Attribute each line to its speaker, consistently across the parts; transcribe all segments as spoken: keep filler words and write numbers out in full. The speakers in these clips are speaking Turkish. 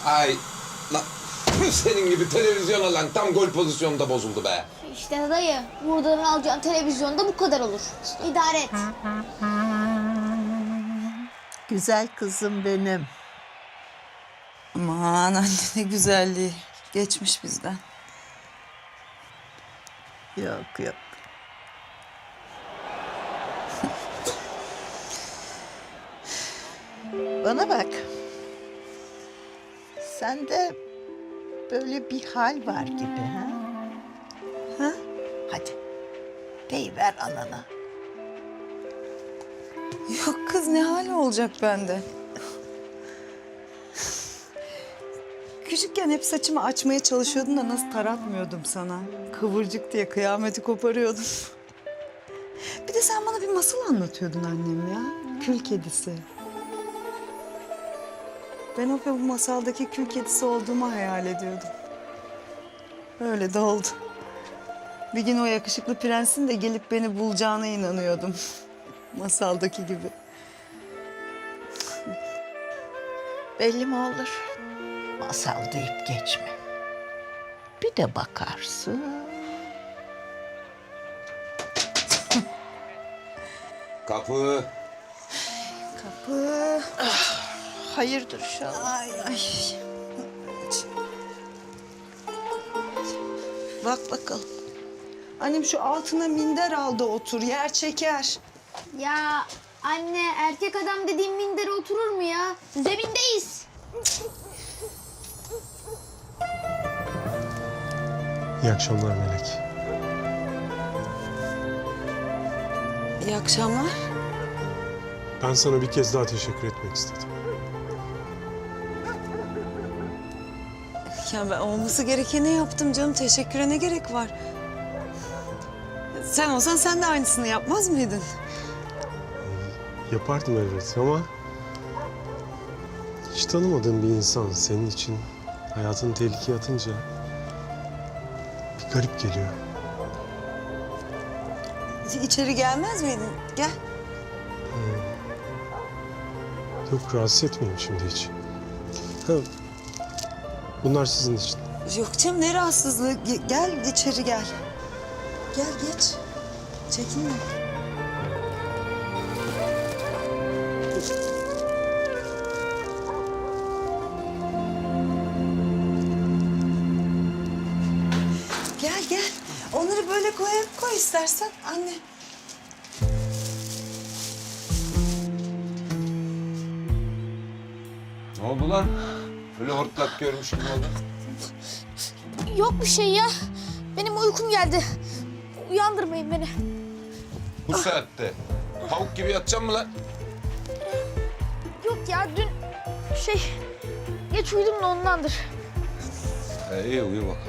Speaker 1: Ay, la, senin gibi televizyon alan tam gol pozisyonunda bozuldu be.
Speaker 2: İşte dayı, buradan alacağın televizyonda bu kadar olur. İdare et.
Speaker 3: Güzel kızım benim.
Speaker 4: Aman anne ne güzelliği. Geçmiş bizden.
Speaker 3: Yok yok. Bana bak. Sende böyle bir hal var gibi ha? Ha? Hadi. Deyiver anana.
Speaker 4: Yok kız ne hali olacak bende? Küçükken hep saçımı açmaya çalışıyordun da nasıl taratmıyordum sana. Kıvırcık diye kıyameti koparıyordum. Bir de sen bana bir masal anlatıyordun annem ya. Kül kedisi. Ben o bu masaldaki kül kedisi olduğumu hayal ediyordum. Öyle de oldu. Bir gün o yakışıklı prensin de gelip beni bulacağına inanıyordum. Masaldaki gibi.
Speaker 3: Belli mi olur? Masal deyip geçme. Bir de bakarsın.
Speaker 1: Kapı.
Speaker 4: Kapı.
Speaker 3: Hayırdır inşallah.
Speaker 4: Ay ay.
Speaker 3: Bak bakalım.
Speaker 4: Annem şu altına minder aldı otur. Yer çeker.
Speaker 2: Ya anne, erkek adam dediğin mindere oturur mu ya? Zemindeyiz.
Speaker 5: İyi akşamlar Melek.
Speaker 4: İyi akşamlar.
Speaker 5: Ben sana bir kez daha teşekkür etmek istedim.
Speaker 4: Ya ben olması gerekeni yaptım canım. Teşekküre ne gerek var? Sen olsan sen de aynısını yapmaz mıydın?
Speaker 5: Yapardım elbet ama... hiç tanımadığım bir insan senin için hayatını tehlikeye atınca... bir garip geliyor.
Speaker 4: İçeri gelmez miydin? Gel.
Speaker 5: Yok, rahatsız etmeyeyim şimdi hiç. Ha, bunlar sizin için.
Speaker 4: Yok canım ne rahatsızlığı. Ge- Gel içeri gel. Gel geç. Çekinme. Gel gel. Onları böyle koy, koy istersen anne.
Speaker 1: Ne oldu lan? Öyle hortlak görmüş gibi oldu.
Speaker 2: Yok bir şey ya. Benim uykum geldi. Uyandırmayın beni.
Speaker 1: Bu saatte. Tavuk gibi yatacağım mı lan?
Speaker 2: Yok ya, dün şey geç uyudum da ondandır.
Speaker 1: Ee, iyi uyu bakalım.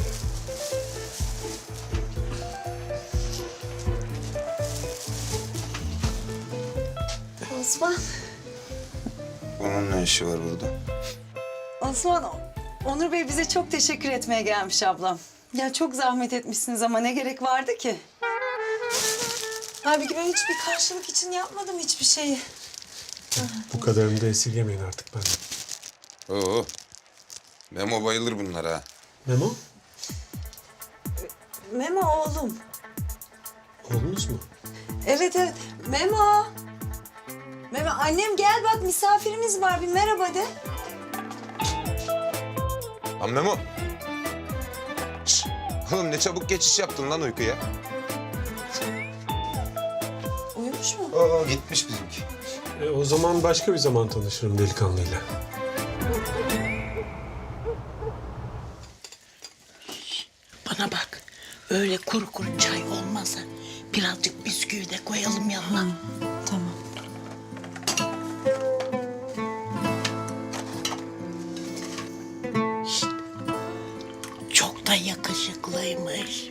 Speaker 4: Osman.
Speaker 1: Bunun ne işi var burada?
Speaker 4: Osman, Onur Bey bize çok teşekkür etmeye gelmiş ablam. Ya çok zahmet etmişsiniz ama ne gerek vardı ki? Halbuki ben hiçbir karşılık için yapmadım hiçbir şeyi.
Speaker 5: Bu kadarını da esirgemeyin artık benden.
Speaker 1: Oo. Memo bayılır bunlara.
Speaker 5: Memo,
Speaker 4: Memo oğlum.
Speaker 5: oğlunuz mu?
Speaker 4: Evet evet, Memo. Memo, annem gel bak misafirimiz var, bir merhaba de.
Speaker 1: Lan Memo. Şşt! Oğlum ne çabuk geçiş yaptın lan uykuya.
Speaker 4: Uyumuş mu?
Speaker 1: Oo, gitmiş bizimki.
Speaker 5: E, o zaman başka bir zaman tanışırım delikanlıyla.
Speaker 6: Bana bak, öyle kuru kuru çay olmasa birazcık bisküvi de koyalım yanına.
Speaker 4: Tamam.
Speaker 6: Çok da yakışıklıymış.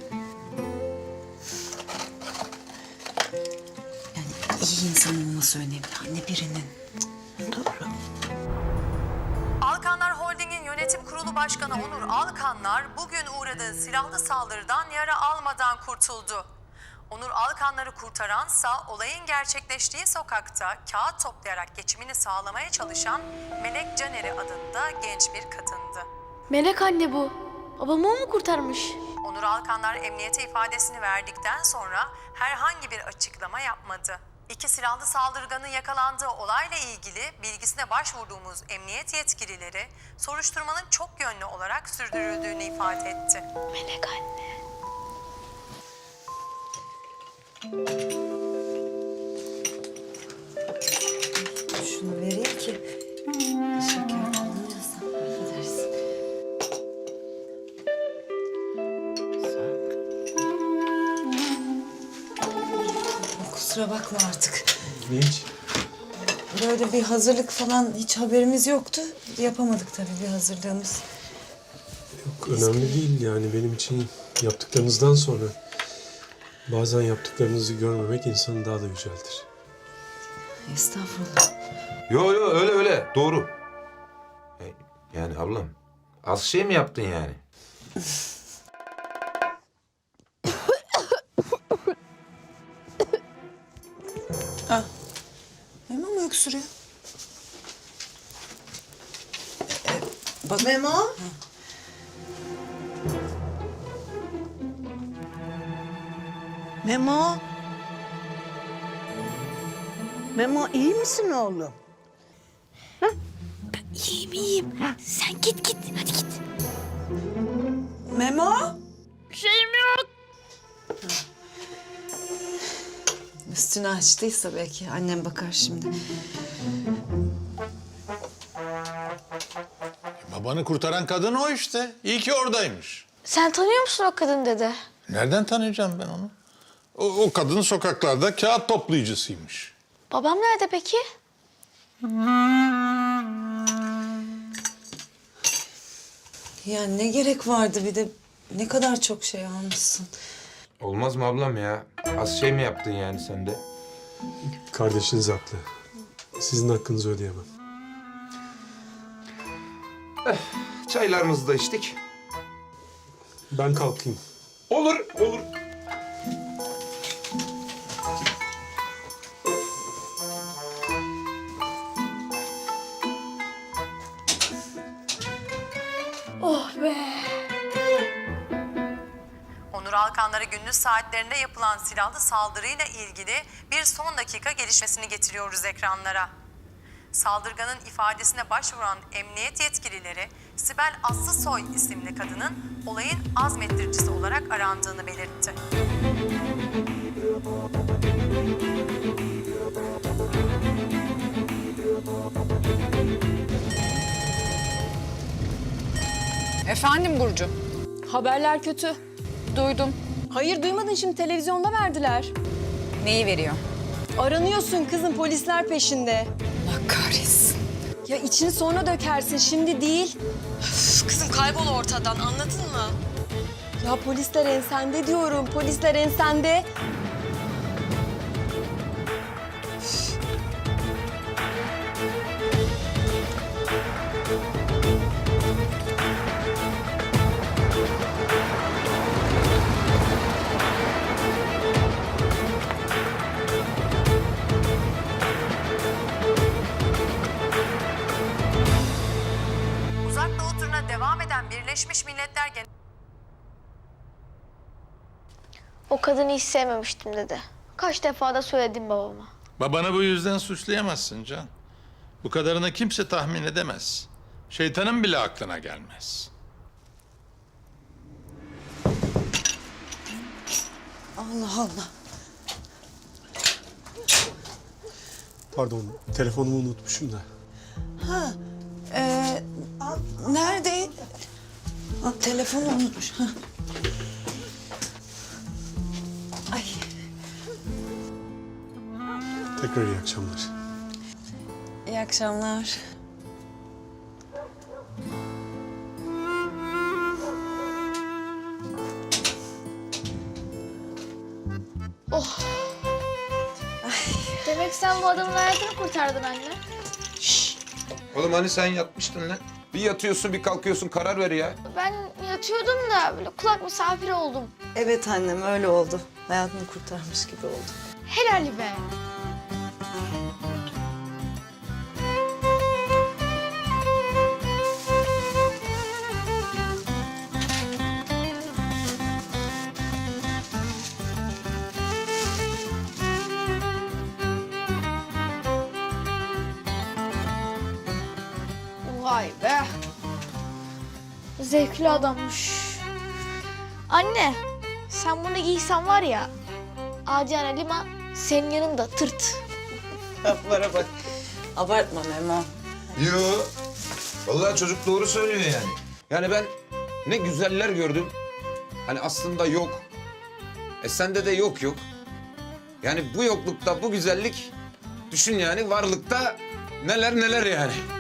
Speaker 4: Yani iyi insan olması önemli anne birinin.
Speaker 6: Doğru.
Speaker 7: Alkanlar Holding'in yönetim kurulu başkanı Onur Alkanlar bugün uğradığı silahlı saldırıdan yara almadan kurtuldu. Onur Alkanları kurtaransa olayın gerçekleştiği sokakta kağıt toplayarak geçimini sağlamaya çalışan Melek Caner'i adında genç bir kadındı.
Speaker 2: Melek anne bu. Babamı o mu kurtarmış?
Speaker 7: Onur Alkanlar emniyete ifadesini verdikten sonra herhangi bir açıklama yapmadı. İki silahlı saldırganın yakalandığı olayla ilgili bilgisine başvurduğumuz emniyet yetkilileri soruşturmanın çok yönlü olarak sürdürüldüğünü ifade etti.
Speaker 2: Melek anne.
Speaker 4: Şunu vereyim ki şeker alınırsa affedersin. Kusura bakma artık.
Speaker 5: Ne hiç?
Speaker 4: Böyle bir hazırlık falan hiç haberimiz yoktu. Yapamadık tabii bir hazırlığımız.
Speaker 5: Yok, önemli değil yani benim için yaptıklarınızdan sonra bazen yaptıklarınızı görmemek insanı daha da yüceltir.
Speaker 4: Estağfurullah.
Speaker 1: Yo yo öyle öyle doğru. E, Yani ablam az şey mi yaptın yani?
Speaker 4: Memo mu öksürüyor? Bak Memo.
Speaker 3: Memo. Memo iyi misin oğlum?
Speaker 2: İyiyim iyiyim. Sen git git. Hadi git.
Speaker 4: Memo.
Speaker 2: Şeyim yok.
Speaker 4: Üstünü açtıysa belki annem bakar şimdi.
Speaker 8: Babanı kurtaran kadın o işte. İyi ki oradaymış.
Speaker 2: Sen tanıyor musun o kadın dede?
Speaker 8: Nereden tanıyacağım ben onu? O, o kadın sokaklarda kağıt toplayıcısıymış.
Speaker 2: Babam nerede peki?
Speaker 4: Ya ne gerek vardı bir de ne kadar çok şey almışsın.
Speaker 1: Olmaz mı ablam ya? Az şey mi yaptın yani sen de?
Speaker 5: Kardeşiniz haklı. Sizin hakkınızı ödeyemem.
Speaker 1: Çaylarımızı da içtik.
Speaker 5: Ben kalkayım.
Speaker 1: Olur olur.
Speaker 2: Oh be.
Speaker 7: Onur Alkanlara gündüz saatlerinde yapılan silahlı saldırıyla ilgili bir son dakika gelişmesini getiriyoruz ekranlara. Saldırganın ifadesine başvuran emniyet yetkilileri Sibel Aslısoy isimli kadının olayın azmettiricisi olarak arandığını belirtti.
Speaker 9: Efendim Burcu.
Speaker 10: Haberler kötü.
Speaker 9: Duydum.
Speaker 10: Hayır duymadın, şimdi televizyonda verdiler.
Speaker 9: Neyi veriyor?
Speaker 10: Aranıyorsun kızım, polisler peşinde.
Speaker 9: Allah kahretsin.
Speaker 10: Ya içini sonra dökersin, şimdi değil. Üf, kızım kaybol ortadan, anladın mı? Ya polisler ensende diyorum, polisler ensende.
Speaker 7: Uzak Doğu turuna devam eden Birleşmiş Milletler Genel
Speaker 2: O kadını hiç sevmemiştim dede. Kaç defa da söyledim babama.
Speaker 8: Babanı bu yüzden suçlayamazsın Can. Bu kadarını kimse tahmin edemez. Şeytanın bile aklına gelmez.
Speaker 4: Allah Allah.
Speaker 5: Pardon, telefonumu unutmuşum da.
Speaker 4: Ha, e, nerede? Ha, telefonu unutmuş. Ha. Ay,
Speaker 5: Tekrar iyi akşamlar.
Speaker 4: iyi akşamlar.
Speaker 2: Demek sen bu adamın hayatını kurtardın anne.
Speaker 1: Oğlum hani sen yatmıştın lan? Bir yatıyorsun bir kalkıyorsun karar ver ya.
Speaker 2: Ben yatıyordum da böyle kulak misafiri oldum.
Speaker 4: Evet annem öyle oldu. hayatını kurtarmış gibi oldum.
Speaker 2: Helal be. Vay be. Zevkli adammış. Anne, sen bunu giysen var ya, Adiyana Lima senin yanında tırt.
Speaker 3: Laflara bak. Abartma Memo.
Speaker 1: Yo. Vallahi çocuk doğru söylüyor yani. Yani ben ne güzeller gördüm. Hani aslında yok. E sende de yok yok. Yani bu yoklukta bu güzellik, düşün yani varlıkta neler neler yani.